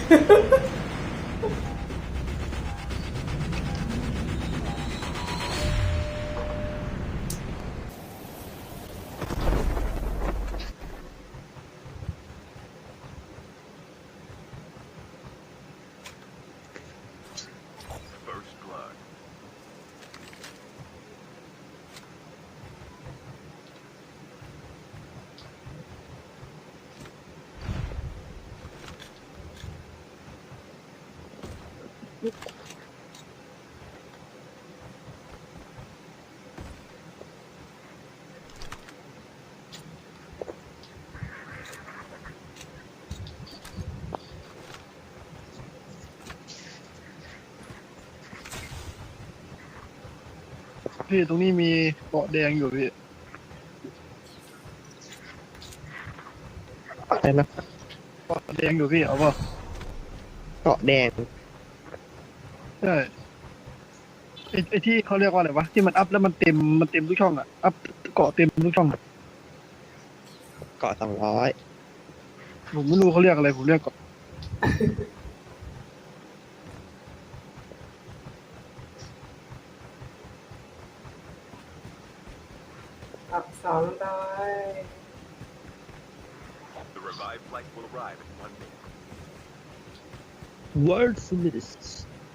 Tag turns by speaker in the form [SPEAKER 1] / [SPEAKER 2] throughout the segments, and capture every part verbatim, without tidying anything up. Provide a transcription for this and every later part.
[SPEAKER 1] พี่ตรงนี้มีเกาะแดงอยู่พี่
[SPEAKER 2] อะไรนะ
[SPEAKER 1] เกาะแดงอยู่พี่เอาป่ะ
[SPEAKER 2] เกาะแดง
[SPEAKER 1] ใช่ไอ้ไอ้ที่เขาเรียกว่าอะไรวะที่มันอัพแล้วมันเต็มมันเต็มทุกช่องอ่ะอัพเกาะเต็มทุกช่อง
[SPEAKER 2] เกาะสองร้อย
[SPEAKER 1] ผมไม่รู้เขาเรียกอะไรผมเรียกเกาะ
[SPEAKER 3] อับสองร้อย
[SPEAKER 4] The revived flight will arrive in one minute.
[SPEAKER 2] World Summits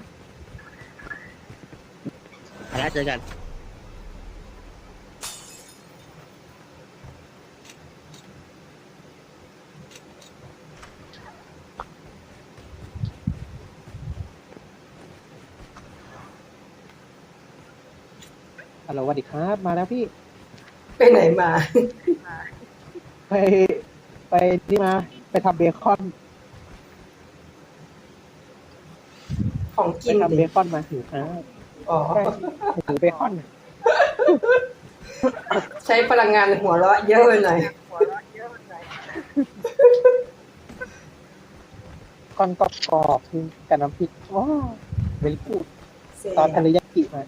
[SPEAKER 2] ไปแล้วเจอกันฮัลโหลสวัสดีครับมาแล้วพี่
[SPEAKER 3] ไปไหนมา
[SPEAKER 2] ไปไปนี่มาไปทำเบคอน
[SPEAKER 3] ของกิ
[SPEAKER 2] ไป
[SPEAKER 3] น
[SPEAKER 2] ทำเบ
[SPEAKER 3] ดิ
[SPEAKER 2] คอนมาถืออ่า
[SPEAKER 3] อ๋อ
[SPEAKER 2] ใช่ถือเบคอน
[SPEAKER 3] ใช้พลังงานหัวเราะเยอะไปหน่อย
[SPEAKER 2] ก้อนกรอบๆคือกับน้ำพริกว้าวเวลิกูดตอนทะเลยากิมา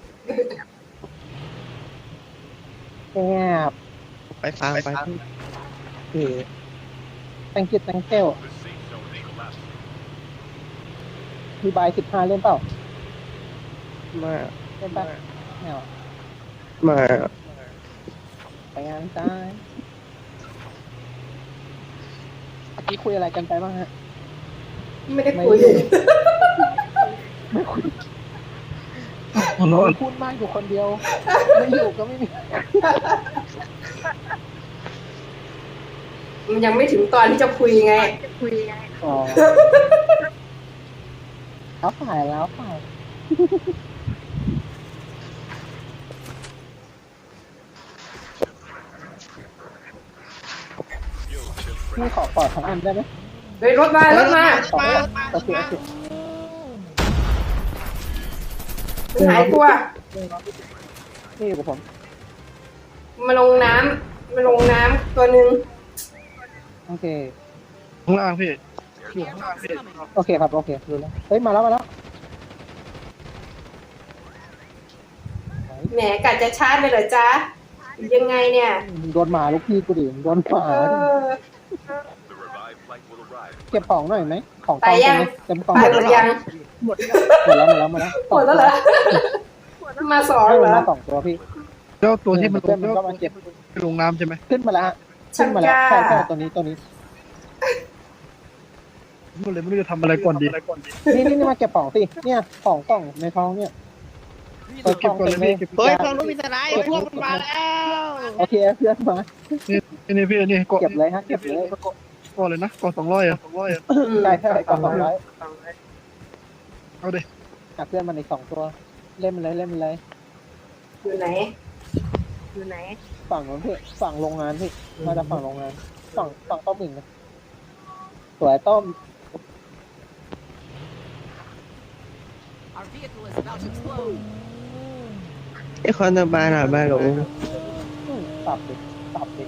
[SPEAKER 2] แซ่บไปฟังไปเออ thank you thank you
[SPEAKER 4] The safe zone is collapsing.
[SPEAKER 2] มีบายสิบห้าเล่นเปล่ามาเล่นป่ะไม่เอามาไปงานจ้าเมื่อกี้คุยอะไรกันไปบ้างฮะ
[SPEAKER 3] ไม่ได้คุย
[SPEAKER 2] ไม่คุย
[SPEAKER 1] หัวเราะ
[SPEAKER 2] พูดมากอยู่คนเดียวไม่อยู่ก็ไม่มี
[SPEAKER 3] มันยังไม่ถึงตอนที่จะคุยไง
[SPEAKER 2] อ๋อแล้วฝ่ายแล้วฝ่ายพี่ขอปอดทั้งอันได้ไหม
[SPEAKER 3] เฮ้ยรถมารถมา
[SPEAKER 2] ขอโอเคโอเค
[SPEAKER 3] มันหายตัว
[SPEAKER 2] นี่อยู่กับผม
[SPEAKER 3] มาลงน้ำมาลงน้ำตัวหนึ่ง
[SPEAKER 2] โอเค
[SPEAKER 1] ข้างล่างพี่อยู่ข้างล่างพี่
[SPEAKER 2] โอเคครับโอเครู้แล้วเฮ้ยมาแล้วมาแล้ว
[SPEAKER 3] แหมกัดจะชาร์จเลยเหรอจ๊ะยังไงเนี่ย
[SPEAKER 2] โดนหมาลูกพี่กูดิโดนหมา
[SPEAKER 3] เออ
[SPEAKER 4] The revived flight will arrive.
[SPEAKER 2] เก็บของหน่อยไหมของ
[SPEAKER 3] ตายยัง
[SPEAKER 2] เต็มกอง
[SPEAKER 3] ตายหมดยัง
[SPEAKER 2] หมดแล้วหมดแล้วหมดแล้ว
[SPEAKER 3] หมดแล้วเหรอ มาสอง
[SPEAKER 2] ให้
[SPEAKER 3] เหร
[SPEAKER 2] มัน
[SPEAKER 3] อ
[SPEAKER 2] มาสองตัวพี่
[SPEAKER 1] แล้วตัวที่มันล
[SPEAKER 2] เพื่อง นมันก็มาเก็บ
[SPEAKER 1] ลงน้ำใช่ไหม
[SPEAKER 2] ขึ้นมาแล้วฮะขึ้นมาแล้วใช่ใช่ตัวนี้ตัวนี้
[SPEAKER 1] มันเลยไม่รู้จะทำอะไรก่อนดี
[SPEAKER 2] นี่นี่นี่มาเก็บของสิเนี่ยของกล่องในท้องเนี่ย
[SPEAKER 1] เอาเก็บก่อนเลยพี่เก็บ
[SPEAKER 2] เฮ้ยฟังลูกพิจารณาพวกมันมาแล้วโอเคเพื่อนมา
[SPEAKER 1] นี่นี่พี่นี่เกาะ
[SPEAKER 2] เก็บเลยฮะเก็บเลย
[SPEAKER 1] เกาะเลยนะเกาะสองร้อยอ่ะสองร้อยอ่ะ
[SPEAKER 2] ใช่ใช่กล่องสองร้อย
[SPEAKER 1] เอาดิ
[SPEAKER 2] จับเพื่อนมันอีกสองตัวเล่นมันเลยเล่นมันเลย
[SPEAKER 3] อยู่ไหน
[SPEAKER 2] ฝั่งนู้นพี่ฝั่งโรงงานพี่มาจากฝั่งโรงงานฝั่งฝั่งต้มหมิ่งนะสวยต้ม
[SPEAKER 5] Our vehicle is about to explode.
[SPEAKER 6] ไอ้คอนบานอ่ะบ้านหลง
[SPEAKER 2] ตับดิตับดิ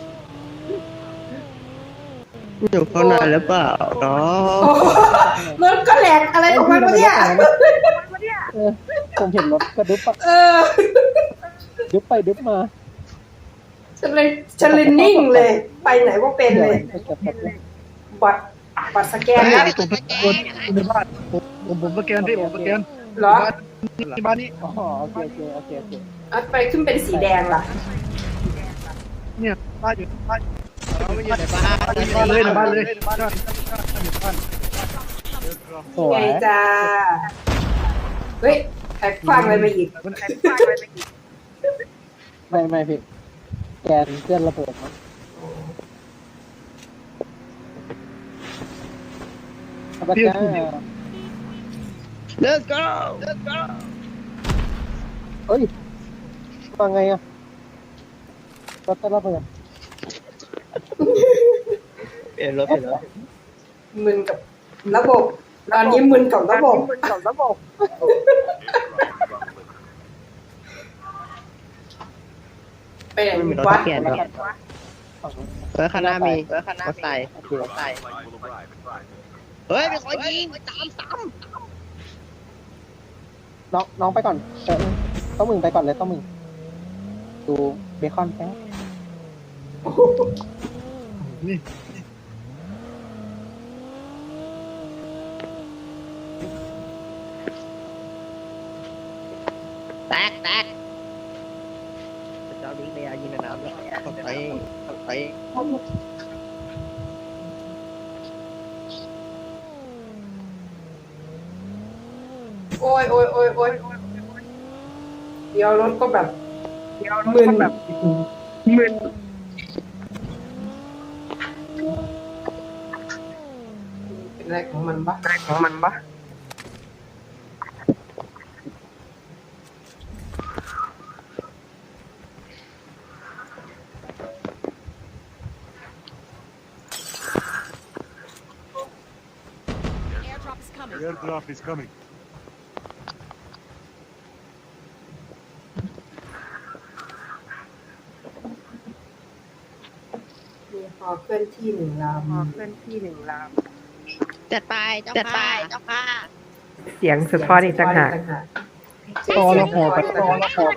[SPEAKER 6] อยู่ข้างในหรือเปล่าเนาะ
[SPEAKER 3] โอ้โหรถก็แหลกอะไรของมันวะเนี่ย
[SPEAKER 2] เออผมเห็นรถกระดึ๊บอะ
[SPEAKER 3] เออ
[SPEAKER 2] ดึ๊บไปดึ๊บมา
[SPEAKER 3] ฉันเลยฉันเลยนิ่งเลย ไปไหนก็เป็นเลย
[SPEAKER 2] ไปเก็บเก็บเลย
[SPEAKER 3] บัดปัดสแกน
[SPEAKER 1] เฮ้ย
[SPEAKER 3] แล้ว
[SPEAKER 1] ผมเป็นคนในบ้านผมผมผมสแกนพี่ผมสแกน
[SPEAKER 3] เหรอ
[SPEAKER 1] ที่บ้านนี้
[SPEAKER 2] อ๋อโอเคโอเคโอเคโอเค
[SPEAKER 3] เอาไปขึ้นเป็นสีแดงล่ะ
[SPEAKER 1] เนี่ยบ้านอยู่บ้าน
[SPEAKER 6] เราไม่อยู่ในบ้าน
[SPEAKER 1] บ้านเลยในบ้านเลยบ้านบ้านบ้าน
[SPEAKER 2] สว
[SPEAKER 3] ไง
[SPEAKER 2] ย
[SPEAKER 3] จ้าเฮ้ยแท็กฟังอะไรมาอีก
[SPEAKER 2] ไม่ไม่พี่แกนเคลื่อนระเบิดมั้งเอาไปจ้า
[SPEAKER 6] เลิก go เลิก go
[SPEAKER 2] เอ้ยว่าไงอ่ะรถจะระเบิด
[SPEAKER 6] เปลี่ยนรถเปลี่ยนรถ
[SPEAKER 3] มึนกับระบบ ตอนนี้มึนกับระบบ
[SPEAKER 2] กับระบบ
[SPEAKER 3] ไปไหน
[SPEAKER 6] ไม่มีรถ
[SPEAKER 3] วะ
[SPEAKER 6] เปลี่ยนหรอกเฮ้ยข้างหน้ามีเฮ้ยข้างหน้าใส่
[SPEAKER 2] โอเค
[SPEAKER 6] ใส่
[SPEAKER 4] Flight will arrive in five minutes.
[SPEAKER 6] เฮ้ยมีคนยิงสามสาม
[SPEAKER 2] น้องน้องไปก่อนเออต้องมึงไปก่อนเลยต้องมึงดูเบคอนแป๊บ
[SPEAKER 1] นี่
[SPEAKER 6] แตกแตกเจ้าดิ้งเลยยิงในน้ำเลยเข้าไปเข้าไป
[SPEAKER 3] โอ้ยโอ้ยโอ้ยโอ้ยเดี๋ยวรถก็แบบมึนแบบมึนเป็นอะไรของมันบ้างของมันบ้าง
[SPEAKER 5] Airdrop is coming.
[SPEAKER 7] The airdrop is coming.
[SPEAKER 3] มีฮอเคลื่อนที่หนึ่งลำฮอเคลื่อนที่หนึ่งล
[SPEAKER 6] จะตายเจ้าค่ะจะตายเจ้าค่ะ
[SPEAKER 3] ำเสียงสะท้อนอีกต่างหาก
[SPEAKER 1] ตอละหอไปตอละหอไป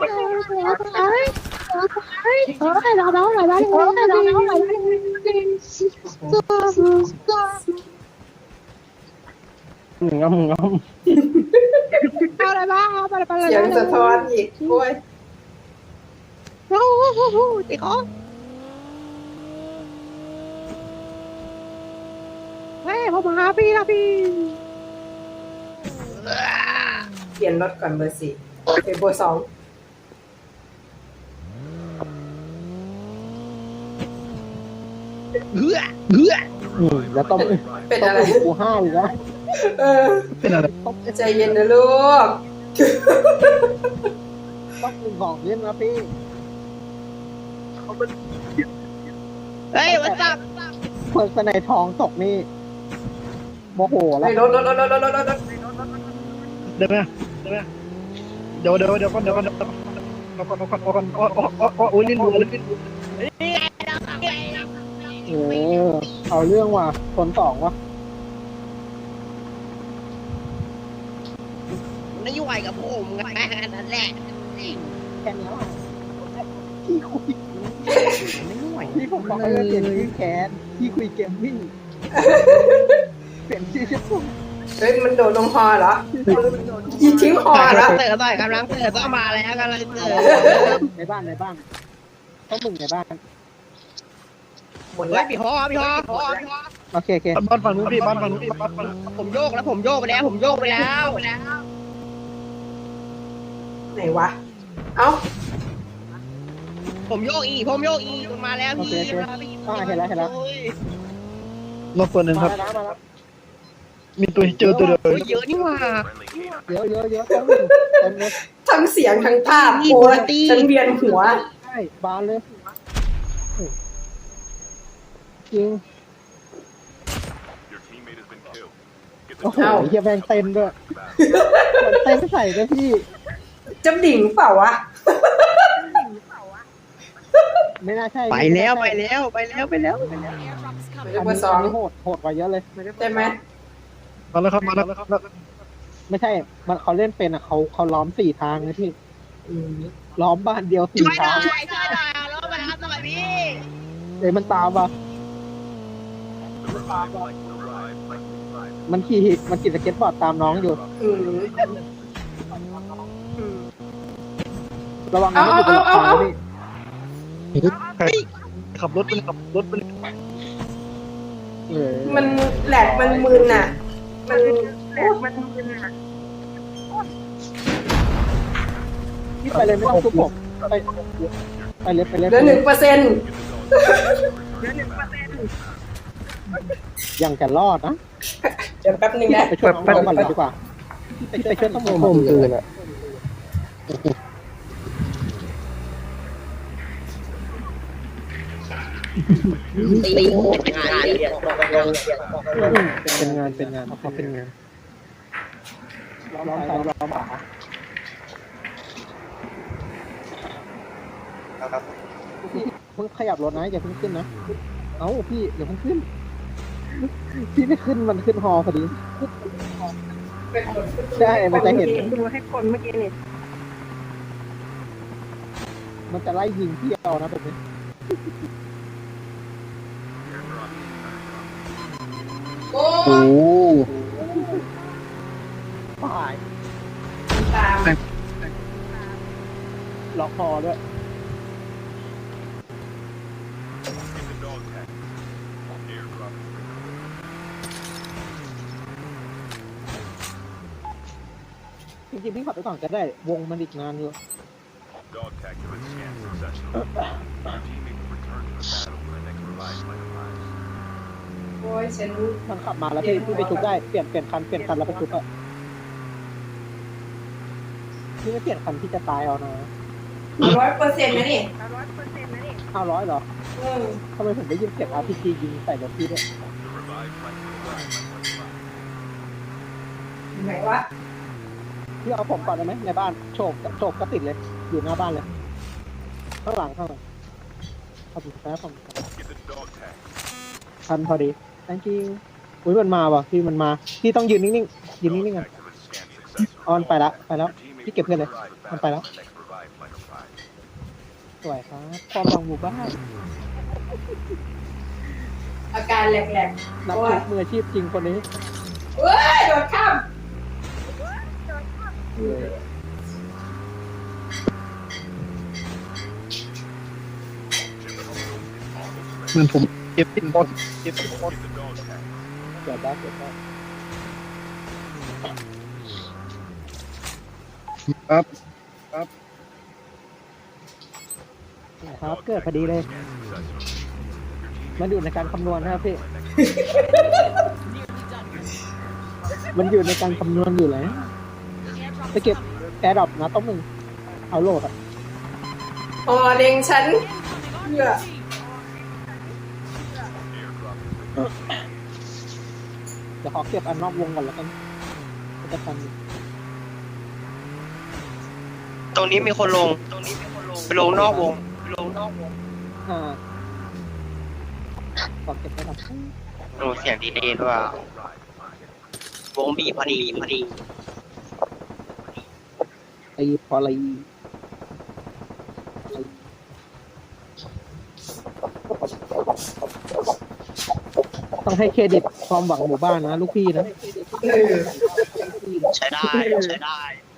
[SPEAKER 2] มึงงอมงอม
[SPEAKER 3] เสียงสะท้อนอีกโอ้ย
[SPEAKER 6] ตีเขาเฮ้ยผมมาหาพี่นะพี่
[SPEAKER 3] เปลี่ยนรถก่อนเบอร์สี่เป็นเบอร์สอง
[SPEAKER 6] เหือเหือ
[SPEAKER 2] อืมแล้วต้อง
[SPEAKER 3] เป็น
[SPEAKER 2] ต้อง
[SPEAKER 3] อะไร
[SPEAKER 2] กูห้าอีกแล้ว
[SPEAKER 3] เออ
[SPEAKER 1] เป็นอะไร
[SPEAKER 3] ใจเย็นนะลูก
[SPEAKER 2] ต้องกูบอกเล่นนะพี่
[SPEAKER 6] เฮ้ยวัดจับ
[SPEAKER 2] เปิดสไนทองตกนี่โมโหแล้ว
[SPEAKER 3] ไปรถรถรถรถรถรถรถ
[SPEAKER 1] เดี๋ยวไหมเดี๋ยวไหมเดี๋ยวเดี๋ยวเดี๋ยวก่อนเดี๋ยวก่อนเดี๋ยวก่อนเดี๋ยวก่อนเดี๋ยวก่อนเดี๋ยวก่อนอ๋ออ๋ออ๋อโอ้ยลิ้นรัวลิ้นรัว
[SPEAKER 2] เออเอาเรื่องว่ะคนสองว่ะ
[SPEAKER 6] ไม่ยุ่งกับผมไงนั่นแหละ
[SPEAKER 2] แค่นี้ว่ะพี่คุยพี่ผมบอกให้เปลี่ยนชื่อแคนพี่คุยเกมมิ่งเปลี่ยนชื่อชื่อผม
[SPEAKER 3] เฮ้ยมันโดดลงฮอเหรอยิงทิ้งฮอเหรอ
[SPEAKER 6] เติร์ดต่อยกำลังเติร์ดต้องมาแล้วกำลังเติร์ด
[SPEAKER 2] ในบ้านในบ้านต้องมึงในบ้าน
[SPEAKER 3] หมด
[SPEAKER 6] เฮ้
[SPEAKER 3] แล้
[SPEAKER 6] ยว พี่ฮอพี่ฮอพี่ฮอพี่ฮอ
[SPEAKER 2] โอเคโอเค
[SPEAKER 1] บ้านฝั่งนู้นพี่บ้านฝั่งนู้นพี่บ้านฝั่งนู้น
[SPEAKER 6] ผมโยกแล้วผมโยกไปแล้วผมโยกไปแล้ว
[SPEAKER 3] ไหนวะ เอ้า
[SPEAKER 6] ผมโยกอีผมโยกอีมาแล้ว
[SPEAKER 2] โอเค
[SPEAKER 6] พี่
[SPEAKER 2] โอเคอ่าเห็นแล้วเห็นแล้ว
[SPEAKER 1] รอบตัวหนึ่งครับ
[SPEAKER 2] มาแล้วมาแล้ว
[SPEAKER 1] มีตัวเจอตัวเดียว
[SPEAKER 6] โอ้ยเยอะนี่หว่า
[SPEAKER 4] Friendly canine.
[SPEAKER 2] เยอะเยอะเยอะต้องมึงเต็มเลย
[SPEAKER 3] ทั้งเสียงทั้งภาพโอ้ยฉันเวียนหัว
[SPEAKER 2] ใช่บานเลยจริง
[SPEAKER 4] Your teammate has been killed. Get
[SPEAKER 2] โอ้
[SPEAKER 4] the
[SPEAKER 2] โหเฮียแบงเต้นด้วยมันเต้นใส่ด้วยพี่
[SPEAKER 3] จะดิ่งเปล่าวะ
[SPEAKER 2] ไม่น่าใช่
[SPEAKER 6] ไปแล้วไปแล้วไปแล้วไปแล้ว
[SPEAKER 5] Airdrop is
[SPEAKER 3] ไม่
[SPEAKER 5] coming.
[SPEAKER 3] ใช่
[SPEAKER 2] อัน
[SPEAKER 3] เบอ
[SPEAKER 2] นี้
[SPEAKER 3] ร์สอง
[SPEAKER 2] อันนี้โหดโหดกว่าเยอะเลย
[SPEAKER 3] ใช่ไหม
[SPEAKER 1] มาแล้วครับมาแล้วครับ
[SPEAKER 2] ไม่ใช่มันเขาเล่นเป็นอ่ะเขาเขาล้อมสี่ทางนะพี่
[SPEAKER 3] อืม
[SPEAKER 2] ล้อมบ้านเดียวสี่
[SPEAKER 6] ช่วยหน่
[SPEAKER 2] ทา
[SPEAKER 6] อง ยช่วยหน่อยรถมารับหน่อยพี่
[SPEAKER 2] เอ้ยมันตามว่ะ
[SPEAKER 4] The revived flight will arrive.
[SPEAKER 2] มันขี่มันขี่สเก็ตบอร์ดตามน้องอยู่
[SPEAKER 3] อืม
[SPEAKER 2] ระวังนะมันอยู่บนหลังคา
[SPEAKER 3] เอาเอาเอา
[SPEAKER 2] พี่
[SPEAKER 1] ขับรถไปเลยขับรถไปเลย
[SPEAKER 2] เออ
[SPEAKER 3] มันแหลกมันมึนอ่ะ มันแหลกมันมึนอ่ะ
[SPEAKER 2] พี่ไปเลยไม่ต้องทุบผมไปไปเลยไปเลย
[SPEAKER 3] เหลือหนึ่งเปอร์เซ็นต์
[SPEAKER 2] ยังจะรอดนะ
[SPEAKER 3] เดี๋ยวแป๊บนึง
[SPEAKER 2] พี่
[SPEAKER 3] นะ
[SPEAKER 2] ไปช่วยน้องก่อนเลยดีกว่าพี่ไปช่วยต้องผมคืนอ่ะเป็นงานเป็นงานเขาเป็นงานร้องไปร้องมาเพิ่งขยับรถนะอย่าเพิ่งขึ้นนะเอ้าพี่อย่าเพิ่งขึ้นพี่ไม่ขึ้นมันขึ้นฮอพอดีใช่มันจะเห็นดูให้คนเมื่อกี้นี่มันจะไล่ยิงพี่เอานะแบบนี้
[SPEAKER 3] โอ้
[SPEAKER 2] โอ้ตาย
[SPEAKER 3] ตาม
[SPEAKER 2] ล็อกคอด้วย
[SPEAKER 4] Get the dog tag. Airdrop.
[SPEAKER 2] จริงๆพี่ขับไปก่อนก็ได้ วงมันอีกนานอยู่
[SPEAKER 4] Dog tag has been scanned successfully. Your teammate will return to the battle when the next revive flight arrives.
[SPEAKER 3] โอ้ยฉัน
[SPEAKER 2] มันขับมาแล้วพี่พี่ไปชุบได้ เปลี่ยนเปลี่ยนคันเปลี่ยนคันแล้วไปชุบอะพี่ไม่เปลี่ยนคันพี่จะตายเอานะ
[SPEAKER 3] ร้อยเปอร์เซ็นต์นะนี่
[SPEAKER 2] ห้าร้อยเหรอ
[SPEAKER 3] อืม
[SPEAKER 2] ทำไมผมได้ยินเสียง อาร์ พี จี ยิงใส่รถพี่ด้วย
[SPEAKER 4] The revive flight will arrive by flight arrives.
[SPEAKER 3] ไหนวะ
[SPEAKER 2] พี่เอาผมก่อนได้ไหมในบ้านโฉบโฉบก็ติดเลย อยู่หน้าบ้านเลย ข้างหลังข้างหลังขอบคุณครับผม
[SPEAKER 4] Get the dog tag.
[SPEAKER 2] ทันพอดี thank you อุ้ยมันมาว่ะพี่มันมา พี่ต้องยืนนิ่งๆ ยืน
[SPEAKER 4] Dog
[SPEAKER 2] นิ่งๆกัน
[SPEAKER 4] tags have been scanned successfully.
[SPEAKER 2] ออนไปละไปแล้ว
[SPEAKER 4] Your teammate
[SPEAKER 2] พี่เก็บเพื่อนเลย
[SPEAKER 4] will arrive
[SPEAKER 2] มัน
[SPEAKER 4] at
[SPEAKER 2] ไป
[SPEAKER 4] battle
[SPEAKER 2] แล้ว
[SPEAKER 4] when the next revive flight arrives.
[SPEAKER 2] สวยครับความหวังหมู่บ้าน
[SPEAKER 3] อาการแหลก
[SPEAKER 2] นัก
[SPEAKER 3] ๆ
[SPEAKER 2] ช
[SPEAKER 3] โอ้ย
[SPEAKER 2] กมืออาชีพจริงคนนี้
[SPEAKER 3] เว้ยโดดข้าม
[SPEAKER 1] เหมือนผมเก็บติดบอลเก็บติดบอล
[SPEAKER 4] Get the dog tag.
[SPEAKER 2] เกิดได้เกิดได้
[SPEAKER 1] ครับ
[SPEAKER 2] ครับ เกิดพอดีเลย
[SPEAKER 4] Scanned successfully.
[SPEAKER 2] มันอยู่ในการคำนวณนะครับพี่
[SPEAKER 5] Nearly done here.
[SPEAKER 2] มันอยู่ในการคำนวณอยู่แล้วไปเก็บแอร์ดรอปนะต้องหนึ่งเอาโหลดอ่ะ
[SPEAKER 3] อ๋อเล็งฉันเพื่อ
[SPEAKER 2] เดี๋ยวขอเก็บอันนอกวงก่อนแล้วกันก็จะทันอยู่
[SPEAKER 6] ตรงนี้มีคนลง ตรงนี้มีคนลง ไปลงนอกวง ไปลงนอกวง
[SPEAKER 2] อ่าขอเก็บแอร์ดรอป
[SPEAKER 6] โอ้เสียงดีเดย์ด้วยอะวงบีบพอดีพอดี
[SPEAKER 2] ไอ้พออะไรต้องให้เครดิตความหวังหมู่บ้านนะลูกพี่นะ
[SPEAKER 3] เออ
[SPEAKER 6] ใช้ได้ ใช้ได้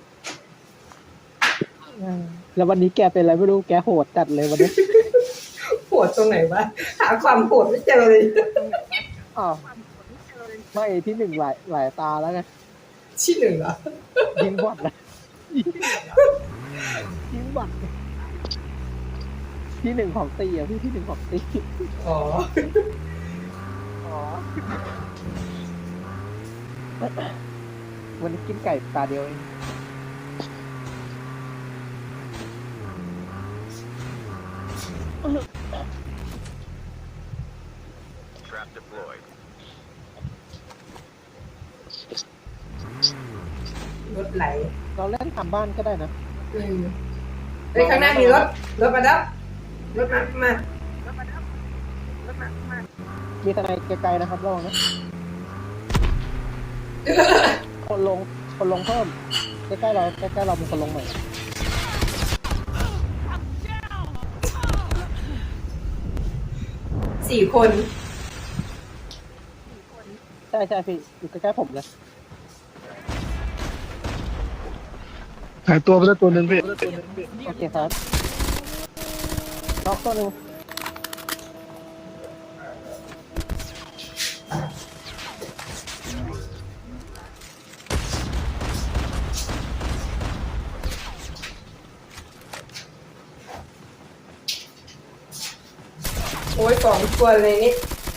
[SPEAKER 2] แล้ววันนี้แกเป็นอะไรไม่รู้แกโหดจัดเลยวันนี้
[SPEAKER 3] โหดตรงไหนวะ หาความโหดไม่เจอเลย
[SPEAKER 2] อ้าวไม่ที่หนึ่งหลายหลายตาแล้วไง
[SPEAKER 3] ที่หนึ่งเหรอ
[SPEAKER 2] ยิงบอดนะยิงบอดที่หนึ่งของตีอ่ะพี่ที่หนึ่งของตี
[SPEAKER 3] อ๋อ
[SPEAKER 2] อ๋อวันนี้กินไก่ตาเดียวเอง
[SPEAKER 4] Trap deployed.
[SPEAKER 3] รถไหล
[SPEAKER 2] เราเล่นทำบ้านก็ได้นะ
[SPEAKER 3] อืมเฮ้ยข้างหน้ามีรถ รถมาดับรถมา มา
[SPEAKER 2] มีทนายไกลๆนะครับระวังนะคนลงคนลงเพิ่มใกล้ๆเราใกล้ๆเรามีคนลงใหม่
[SPEAKER 3] สี่คน
[SPEAKER 2] แต่ช่ใช่พี่อยู่ใกล้ๆผมเลย
[SPEAKER 1] หายตัวไปแล้วตัวหนึ่งพี่
[SPEAKER 2] โอเคครับน็อกตัวหนึ่ง
[SPEAKER 3] โอ้ยสองตัวเลยนี่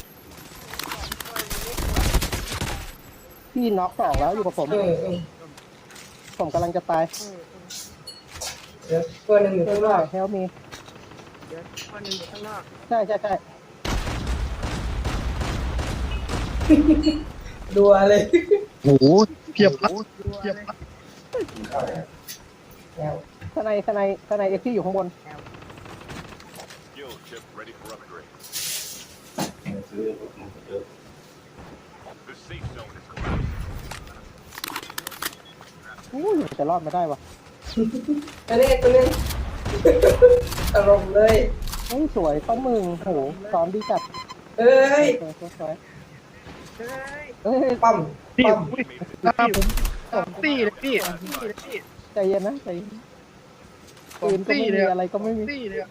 [SPEAKER 2] พี่น็อกสองแล้วอยู่กับผม
[SPEAKER 3] เออเออ
[SPEAKER 2] ผมกำลังจะตาย
[SPEAKER 3] เดี๋ยวตัวหนึ่งอยู่ข้างนอก
[SPEAKER 2] เฮลมีใช่ใช่ใช่
[SPEAKER 3] ดัวเลย
[SPEAKER 1] โอ้โหเพียบละเพียบละ
[SPEAKER 3] แล้ว
[SPEAKER 2] ข้างในข้างในข้างในเอ็กซี่อยู่ข้างบน
[SPEAKER 4] Skill chip ready for upgrade. The safe zone is collapsing.
[SPEAKER 2] อู้ยจะรอดมาได้วะ
[SPEAKER 3] ตัวนี้ตัวนี้อารมณ์เลย
[SPEAKER 2] เฮ้ยสวยต้นมึงโหซ้อมดีจัด
[SPEAKER 3] เอ้ย
[SPEAKER 2] สวยสวยสวยเฮ้ย
[SPEAKER 3] ปั๊ม
[SPEAKER 1] พี่
[SPEAKER 3] ปั๊ม
[SPEAKER 1] อุ้ยหน้าผมสองตี้เลยพี่
[SPEAKER 2] ใจเย็นนะใจเย็น
[SPEAKER 1] สอ
[SPEAKER 2] ปื
[SPEAKER 1] ง
[SPEAKER 2] นก็
[SPEAKER 1] ตี้
[SPEAKER 2] ไม่
[SPEAKER 1] เล
[SPEAKER 2] มี
[SPEAKER 1] ย
[SPEAKER 2] อะไรก็ไม่มี
[SPEAKER 1] ตี้เลย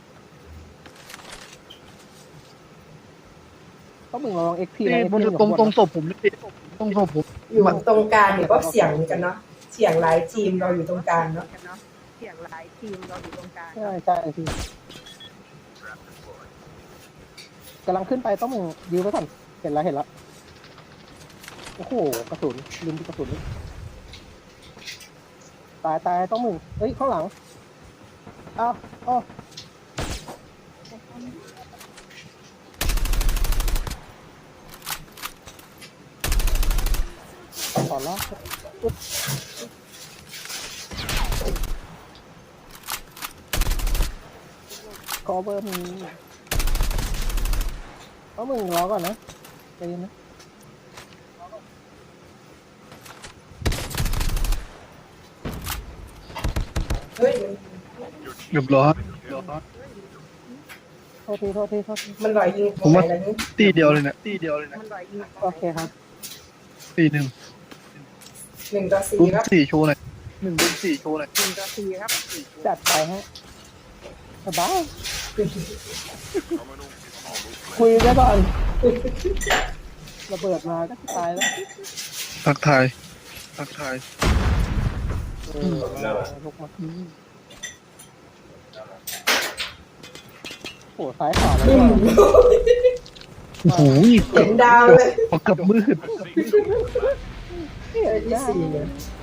[SPEAKER 2] ต้นมึงลองเอ็กซ์พี
[SPEAKER 1] นี่
[SPEAKER 2] นะ
[SPEAKER 1] บนตรงตรงศพผมเลยพี่ตรงศพผม
[SPEAKER 3] อยู่ตรงกลางเนี่ยก็เสียงเหมือนกันเนาะเสียงหลายทีมเราอยู่ตรงกลางเนาะ
[SPEAKER 2] ใช่ใช่พี่กำลังขึ้นไปต้องมึงยื้อไว้ก่อนเห็นแล้วเห็นแล้วโอ้โหกระสุนลืมดูกระสุนเลยตายตายต้องมึงเฮ้ยข้างหลังอ้าวอ้าวขอละอุ๊บคอเบอร์มีต้องมึงรอก่อนนะใจเย็นนะ
[SPEAKER 3] เฮ้ย
[SPEAKER 1] เรียบร้อย
[SPEAKER 2] โทษทีโทษทีโทษที
[SPEAKER 3] มันลอยยิง
[SPEAKER 1] ผมว่า
[SPEAKER 3] อะไรนี่
[SPEAKER 1] ตี้เดียวเลยเนี่ยตี้เดียวเลยนะ
[SPEAKER 2] โอเคครับ
[SPEAKER 1] ตี้หนึ่ง
[SPEAKER 3] หนึ่งต่อสี่
[SPEAKER 1] รุ่น
[SPEAKER 3] ครับ
[SPEAKER 1] สี่โชว์หน่อยหนึ่งรุ่นสี่โชว์หน่อย
[SPEAKER 2] จัดไปฮะสบาย
[SPEAKER 4] Terminal is almost
[SPEAKER 2] คุยได้ก่อนระเบิดมาก็ตายแล้ว
[SPEAKER 1] ทักทายทักทาย
[SPEAKER 2] เออลุกมาโอ้ซ้ายขวาแล้ว
[SPEAKER 3] บึ้ม
[SPEAKER 1] โอ้โห
[SPEAKER 3] เห็นดาวเลย
[SPEAKER 1] พอกับมืด
[SPEAKER 3] เออที่สี่เนี่ย
[SPEAKER 2] เ